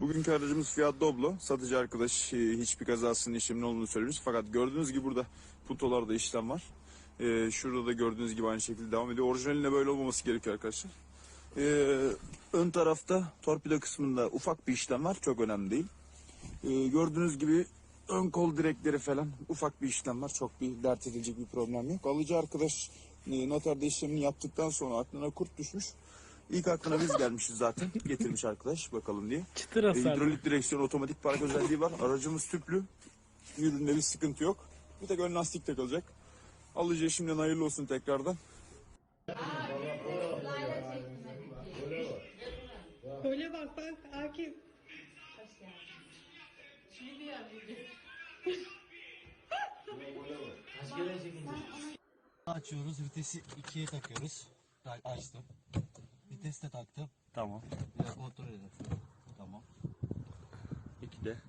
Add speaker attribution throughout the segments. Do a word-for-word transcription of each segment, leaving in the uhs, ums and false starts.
Speaker 1: Bugünkü aracımız Fiat Doblo. Satıcı arkadaş e, hiçbir kazasının işleminin olduğunu söylemiş. Fakat gördüğünüz gibi burada putolarda işlem var. E, şurada da gördüğünüz gibi aynı şekilde devam ediyor. Orijinaline böyle olmaması gerekiyor arkadaşlar. E, ön tarafta torpido kısmında ufak bir işlem var. Çok önemli değil. E, gördüğünüz gibi ön kol direkleri falan ufak bir işlem var. Çok bir dert edilecek bir problem yok. Alıcı arkadaş e, noterde işlemini yaptıktan sonra aklına kurt düşmüş. İlk aklına biz gelmişiz zaten. Getirmiş arkadaş bakalım diye.
Speaker 2: Çıtır
Speaker 1: E,
Speaker 2: hasarlı.
Speaker 1: hidrolik direksiyon, otomatik park özelliği var. Aracımız tüplü. Üründe bir sıkıntı yok. Bir tek ön lastik takılacak. Alıcıya şimdiden hayırlı olsun tekrardan.
Speaker 3: Öyle bak bak Akif.
Speaker 4: Açıyoruz, vitesi ikiye takıyoruz. Açtım. Vites de taktım.
Speaker 1: Tamam.
Speaker 4: Bir de kontrol edelim. Tamam.
Speaker 1: İki de.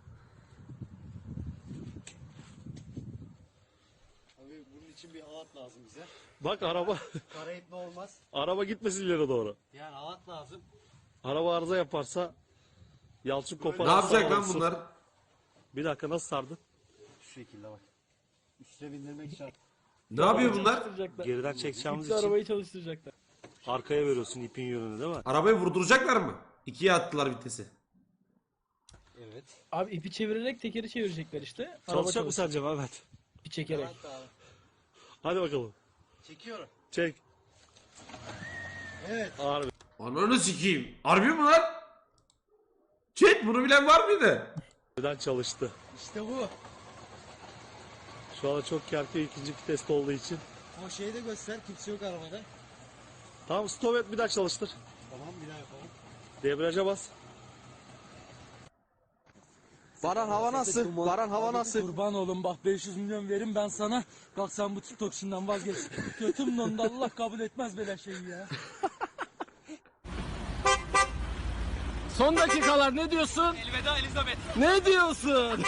Speaker 4: Abi bunun için bir halat lazım bize.
Speaker 2: Bak araba
Speaker 4: Kara etme olmaz.
Speaker 2: araba gitmesin ileri doğru.
Speaker 4: Yani halat lazım.
Speaker 2: Araba arıza yaparsa Yalçın kopar.
Speaker 5: Ne yapacak lan bunlar?
Speaker 2: Bir dakika nasıl sardın?
Speaker 4: Şu şekilde bak. Üstüne bindirmek şart.
Speaker 5: Ne yapıyor bunlar?
Speaker 2: Çalıştıracaklar. Geriden çekeceğimiz
Speaker 3: İpli
Speaker 2: için
Speaker 3: arabayı çalıştıracaklar.
Speaker 2: arkaya veriyorsun ipin yönünü değil mi?
Speaker 5: Arabayı vurduracaklar mı? İkiye attılar vitesi.
Speaker 4: Evet.
Speaker 3: Abi ipi çevirerek tekeri çevirecekler işte. Araba
Speaker 2: Çalışacak mı
Speaker 3: çalışacak.
Speaker 2: sence Mehmet?
Speaker 3: İpi çekerek.
Speaker 4: Evet abi.
Speaker 2: Hadi bakalım.
Speaker 4: Çekiyorum.
Speaker 2: Çek.
Speaker 4: Evet.
Speaker 2: Harbi.
Speaker 5: Ananı sikeyim. Harbi mi lan? Chat bunu bilen var mıydı?
Speaker 2: Geriden çalıştı.
Speaker 4: İşte bu.
Speaker 2: Şu anda çok kerke ikinci viteste olduğu için.
Speaker 4: O şeyi de göster. Kimse yok arabada.
Speaker 2: Tamam stop et bir daha çalıştır.
Speaker 4: Tamam bir daha yapalım.
Speaker 2: Debriyaja bas.
Speaker 6: Baran hava nasıl? Baran hava nasıl?
Speaker 7: Kurban oğlum bak beş yüz milyon verin ben sana. Kalk sen bu TikTok işinden vazgeç. Götüm dondu Allah kabul etmez böyle şeyi ya.
Speaker 3: Son dakikalar ne diyorsun? Elveda Elizabeth. Ne diyorsun?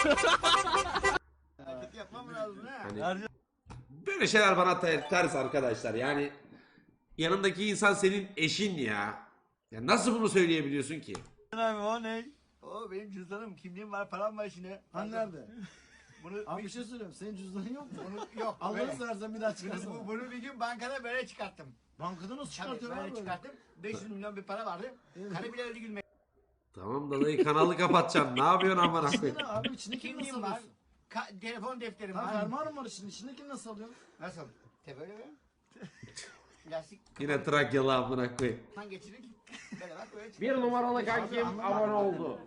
Speaker 5: Böyle şeyler bana ter- ters arkadaşlar. Yani yanındaki insan senin eşin ya. Ya nasıl bunu söyleyebiliyorsun ki?
Speaker 8: Abi o ne? O benim cüzdanım, kimliğim var, param var içinde.
Speaker 4: Hani nerede?
Speaker 8: Bunu
Speaker 4: Abi bir şey söyleyeyim. Senin cüzdanın yok mu?
Speaker 8: bunu yok.
Speaker 4: Allah'ını
Speaker 8: böyle.
Speaker 4: seversen bir daha
Speaker 8: Bunu,
Speaker 4: çıkarsana.
Speaker 8: bu- bunu bir gün bankada böyle çıkarttım.
Speaker 4: Bankada nasıl
Speaker 8: Tabii
Speaker 4: çıkartıyorsun
Speaker 8: böyle
Speaker 4: abi?
Speaker 8: çıkarttım. beş yüz milyon bir para vardı. Karı bile öyle gülmeye.
Speaker 5: Tamam da dayı kanalı kapatacağım. Ne yapıyorsun amına koyayım?
Speaker 4: Ne abi içindekini nasıl
Speaker 8: Kimliğim var.
Speaker 4: alıyorsun?
Speaker 8: Ka- telefon defterim
Speaker 4: Tamam
Speaker 8: var.
Speaker 4: fermuarım var içinde. İçindekini nasıl alıyorsun?
Speaker 8: Nasıl? Te böyle mi? Lastik
Speaker 5: Yine Trakyalı amına koyayım.
Speaker 8: kafandan geçirdik. Böyle bak böyle çıkıyor.
Speaker 6: Bir numaralı kankim abone oldu.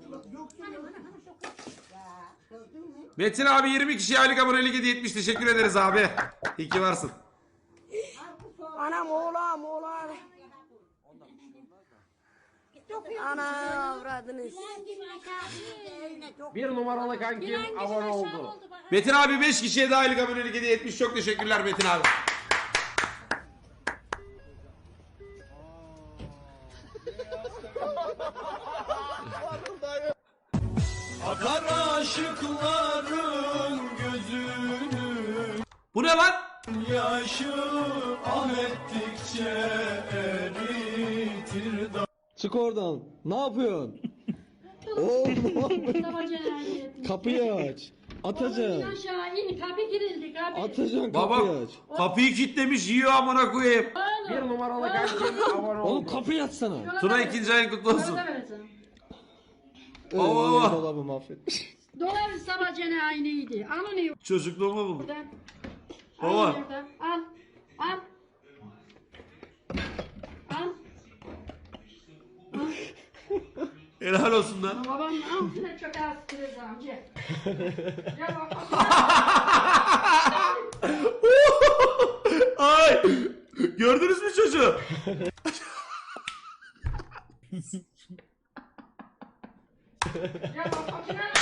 Speaker 5: Metin abi yirmi kişiye aylık abonelik hediye etmiş. Teşekkür ederiz abi. İyi ki varsın.
Speaker 9: Anam oğlan oğlan. Ana avradınız.
Speaker 6: Bir numaralı kankim abone oldu.
Speaker 5: Metin abi beş kişiye de aylık abonelik hediye etmiş. Çok teşekkürler Metin abi.
Speaker 7: Akar aşıkların gözünü
Speaker 5: Bu ne lan?
Speaker 7: yaşı ah ettikçe eritir da.
Speaker 6: Çık oradan. Ne yapıyorsun? Oğlum kapıyı aç. Atacaksın.
Speaker 9: Aşağı in kapı girildi kapı.
Speaker 6: Atacaksın
Speaker 5: Baba
Speaker 6: kapıyı aç.
Speaker 5: kapıyı kilitlemiş yiyor amına koyayım.
Speaker 6: Bir numaralı kankim abone oldu. Oğlum kapıyı açsana.
Speaker 5: Tuna ikinci ayın kutlu olsun.
Speaker 6: Ee,
Speaker 5: Baba.
Speaker 6: dolabı mahvetmiş.
Speaker 9: Dolar sabacene aynıydı. Al onu
Speaker 5: Çocukluğumu buldum.
Speaker 9: buradan.
Speaker 5: Baba.
Speaker 9: Al buradan. Al. Al. Al.
Speaker 5: Helal olsun lan.
Speaker 9: Babanın altına çok az kıracağım. Gel. Gel bakalım.
Speaker 5: Ay! Gördünüz mü çocuğu?
Speaker 9: Gel bakalım.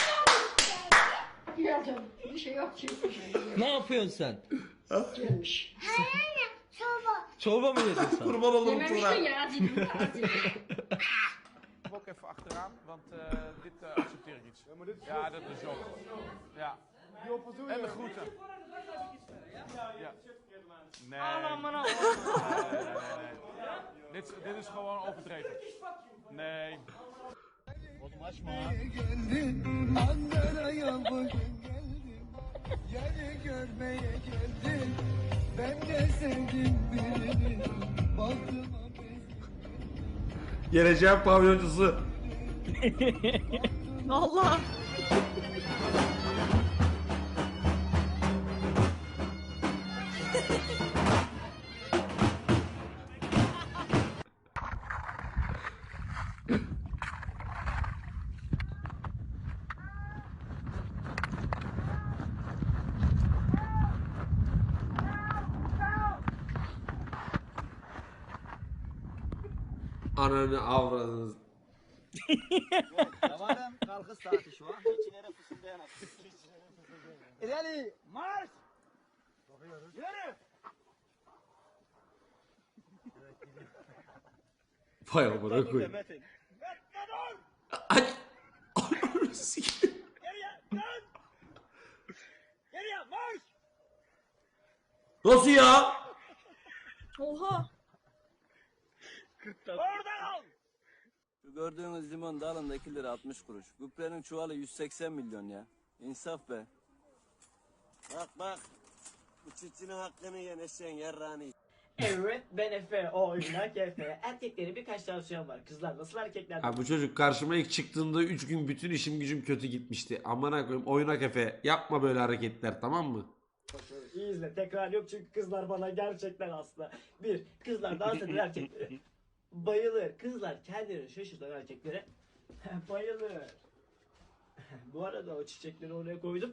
Speaker 9: Gel canım. Bir şey yok ki.
Speaker 6: Ne yapıyorsun sen?
Speaker 9: Gelmiş.
Speaker 6: Çorba mı yedin sen?
Speaker 5: Kurban olurum
Speaker 9: Dememiştin
Speaker 5: Tuna.
Speaker 9: ya. Dedim.
Speaker 10: Ook even achteraan, want uh, dit uh, accepteer ik iets. Ja, dat is Job. Ja. En de groeten. Ja. Nee. Nee, nee, nee, nee. Dit, is- dit is gewoon overdreven. Nee.
Speaker 8: açma.
Speaker 4: Geldim Ankara'ya bugün geldim. Yani görmeye geldim. Ben de sevdim birini. Baktıma
Speaker 5: Geleceğin pavyoncusu.
Speaker 9: Allah.
Speaker 5: Ananı avradınız.
Speaker 8: Zamanın kalkış saati şu an. İçine fısıldayan akıl. İleri marş. Yürü.
Speaker 5: Vay amına koyayım.
Speaker 8: Metin.
Speaker 5: Ay. Ananı sikeyim.
Speaker 8: Geriye dön. Geriye marş.
Speaker 5: Nasıl ya?
Speaker 9: Oha.
Speaker 8: Orada kal.
Speaker 3: Şu gördüğünüz limon dalında iki lira altmış kuruş. Gübrenin çuvalı yüz seksen milyon ya. İnsaf be.
Speaker 6: Bak bak. Bu çiftçinin hakkını yen eşeğin yarrağını.
Speaker 7: Evet ben Efe oynak Efe. Erkeklerin birkaç tavsiyem var. Kızlar nasıl erkekler?
Speaker 5: Ha, bu çocuk karşıma ilk çıktığında üç gün bütün işim gücüm kötü gitmişti. Amına koyayım oynak Efe. Yapma böyle hareketler tamam mı?
Speaker 7: İyi izle tekrar yok çünkü kızlar bana gerçekten hasta. Bir, kızlar dans eden erkeklere bayılır. Kızlar kendilerini şaşırtan erkeklere bayılır. Bu arada o çiçekleri oraya koydum.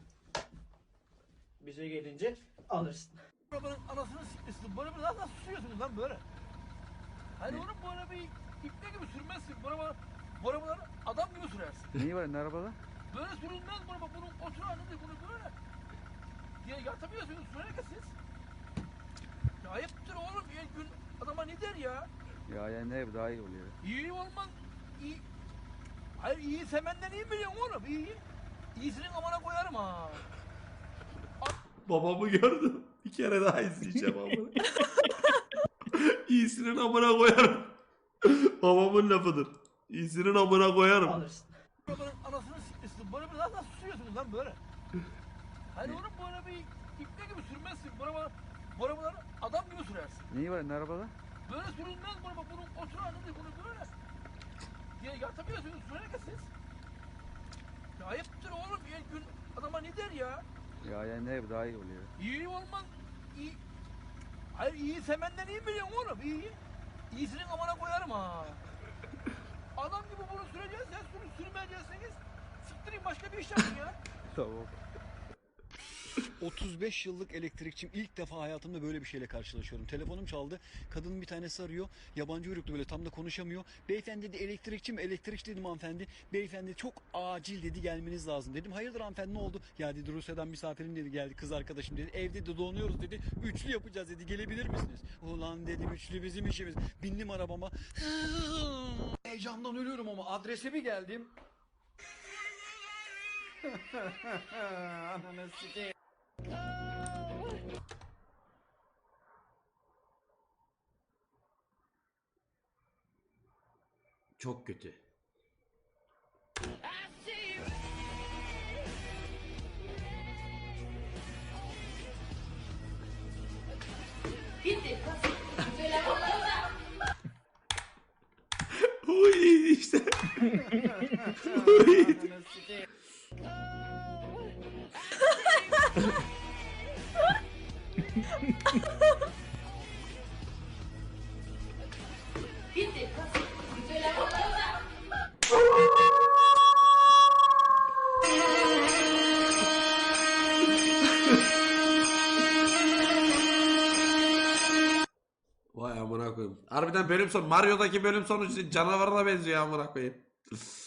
Speaker 7: Bize gelince alırsın.
Speaker 8: Arabanın anasını sikmişsin. Böyle bir nasıl susuyorsunuz lan böyle? Hani oğlum bu arabayı ipne gibi sürmezsin. Bu araba, bu arabaları adam gibi sürersin.
Speaker 2: Neyi var ne arabada?
Speaker 8: Böyle sürülmez bu araba. Bunun oturağını değil bunu böyle. Ya yatamıyorsunuz sürerken siz. Ya ayıptır oğlum. Bir gün adama ne der ya?
Speaker 2: Ya yani ne daha iyi oluyor.
Speaker 8: İyi olmaz. İyi. Hayır iyi semenden iyi biliyorsun oğlum. İyi. İyisinin amına koyarım ha.
Speaker 5: Babamı gördüm. Bir kere daha izleyeceğim amına. İyisinin amına koyarım. Babamın lafıdır. İyisinin amına koyarım.
Speaker 7: Alırsın.
Speaker 8: Arabanın anasını sikmişsin. Böyle bir nasıl susuyorsunuz lan böyle? Hani oğlum bu arabayı ipne gibi sürmezsin. Bu araba, bu arabaları adam gibi sürersin.
Speaker 2: Neyi var ne arabada?
Speaker 8: Böyle sürülmez bu araba. Bunun oturağını değil bunu böyle. Ya yatamıyorsunuz sürerken siz. Ya ayıptır oğlum. Bir gün adama ne der ya?
Speaker 2: Ya yani ne daha iyi oluyor.
Speaker 8: İyi olmaz. İyi. Hayır iyi semenden iyi biliyorsun oğlum. İyi. İyisinin amına koyarım ha. Adam gibi bunu süreceğiz. Sen sürü sürmeyeceksiniz. Siktirin başka bir iş yapın ya.
Speaker 2: Tamam.
Speaker 4: otuz beş yıllık elektrikçiyim. İlk defa hayatımda böyle bir şeyle karşılaşıyorum. Telefonum çaldı. Kadının bir tanesi arıyor. Yabancı uyruklu böyle tam da konuşamıyor. Beyefendi dedi elektrikçi mi? Elektrikçi dedim hanımefendi. Beyefendi çok acil dedi gelmeniz lazım dedim. Hayırdır hanımefendi ne oldu? Ya dedi Rusya'dan misafirim dedi geldi kız arkadaşım dedi. Evde de donuyoruz dedi. Üçlü yapacağız dedi. Gelebilir misiniz? Ulan dedim üçlü bizim işimiz. Bindim arabama. Heyecandan ölüyorum ama adrese bir geldim. Ananı sikeyim.
Speaker 5: Çok kötü.
Speaker 9: Bitti.
Speaker 5: O iyiydi işte. O iyiydi.
Speaker 9: Bitti.
Speaker 5: Vay amına koyayım. Harbiden bölüm sonu Mario'daki bölüm sonu işte canavarına benziyor amına koyayım.